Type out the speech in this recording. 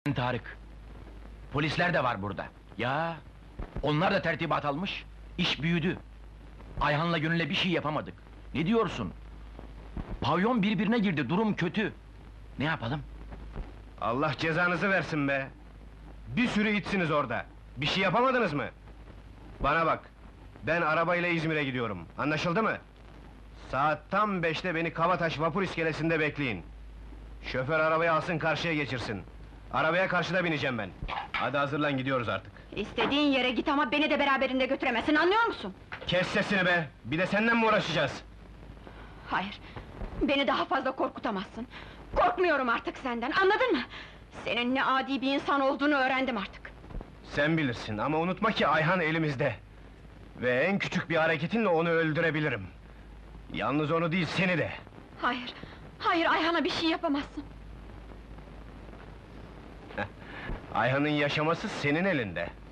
Tarık. Polisler de var burada. Ya, onlar da tertibat almış. İş büyüdü. Ayhan'la Gönül'le bir şey yapamadık. Ne diyorsun? Pavyon birbirine girdi, durum kötü. Ne yapalım? Allah cezanızı versin be! Bir sürü itsiniz orada. Bir şey yapamadınız mı? Bana bak, ben arabayla İzmir'e gidiyorum. Anlaşıldı mı? Saat tam 5'te beni Kabataş vapur iskelesinde bekleyin. Şoför arabayı alsın, karşıya geçirsin. Arabaya karşıda bineceğim ben. Hadi hazırlan, gidiyoruz artık. İstediğin yere git ama beni de beraberinde götüremezsin, anlıyor musun? Kes sesini be! Bir de senden mi uğraşacağız? Hayır, beni daha fazla korkutamazsın. Korkmuyorum artık senden, anladın mı? Senin ne adi bir insan olduğunu öğrendim artık. Sen bilirsin ama unutma ki Ayhan elimizde. Ve en küçük bir hareketinle onu öldürebilirim. Yalnız onu değil, seni de. Hayır, hayır Ayhan'a bir şey yapamazsın. Ayhan'ın yaşaması senin elinde.